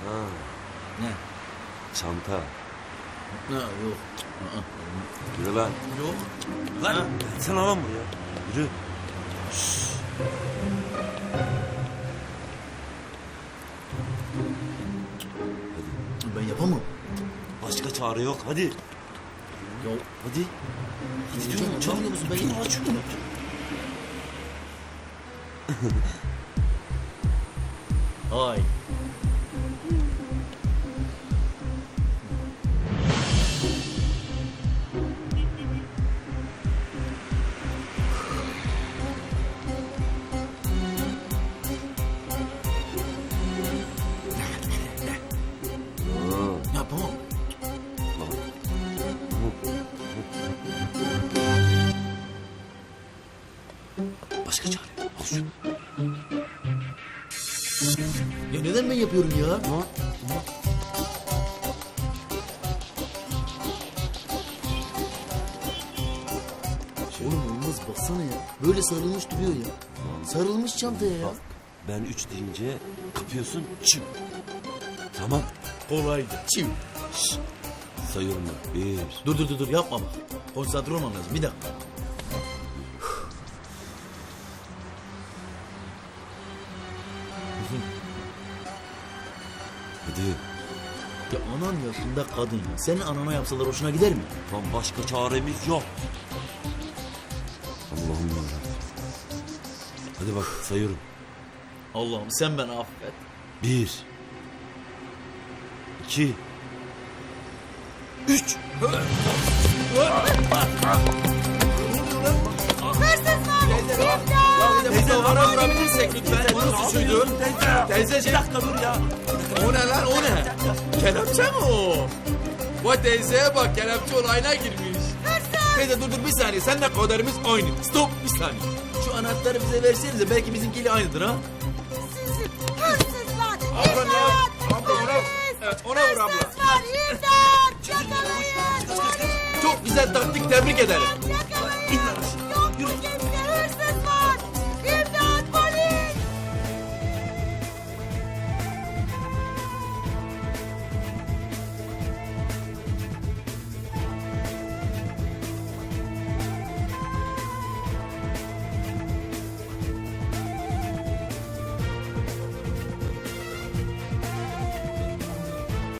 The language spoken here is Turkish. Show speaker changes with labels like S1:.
S1: Ne?
S2: Çanta.
S1: Ha, yok.
S2: Yürü lan.
S1: Yok.
S2: Lan sen alan buraya. Yürü.
S1: Ben yapamam.
S2: Başka çare yok. Hadi.
S1: Ya
S2: Hadi. Hadi diyorum.
S1: canım ne musun? Ben
S2: Şunu
S1: yapamam.
S2: aç şunu.
S1: Ay. Yapamam.
S2: Başka çare yok. Al şunu.
S1: Ya neden ben yapıyorum ya? Oğlum olmaz baksana ya. Böyle sarılmış duruyor ya. Sarılmış çantaya ya.
S2: Bak ben 3 deyince kapıyorsun. Çık. Tamam.
S1: Kolaydı. Çiv.
S2: Sayıyorum ben. 1.
S1: Dur yapma bak. Konsantre olmam lazım. Bir dakika.
S2: Hadi.
S1: Ya anan yaşında kadın ya. Senin anana yapsalar hoşuna gider mi?
S2: Tam başka çaremiz yok. Allah'ım yarabbim. Hadi bak sayıyorum.
S1: Allah'ım sen beni affet.
S2: 1 2 3.
S3: Teyze bana vurabilirsek lütfen. Onun suçuydu. Teyzeciğim.
S2: Bir dakika dur ya.
S3: O ne lan o ne? Kelepçe mi o? Vay teyzeye bak kelepçe olayına girmiş. Teyze dur bir saniye. Seninle kaderimiz aynı. Stop bir saniye.
S1: Şu anahtarı bize versenize. Belki bizimkiyle aynıdır ha.
S4: Hırsızlar!
S3: Abla ne yap?
S4: İmdat!
S3: Abla ona, evet, ona vur abla.
S4: Hırsızlar! İmdat! Yakalayın!
S3: Çok güzel taktik tebrik ederim.
S4: Yakalayın!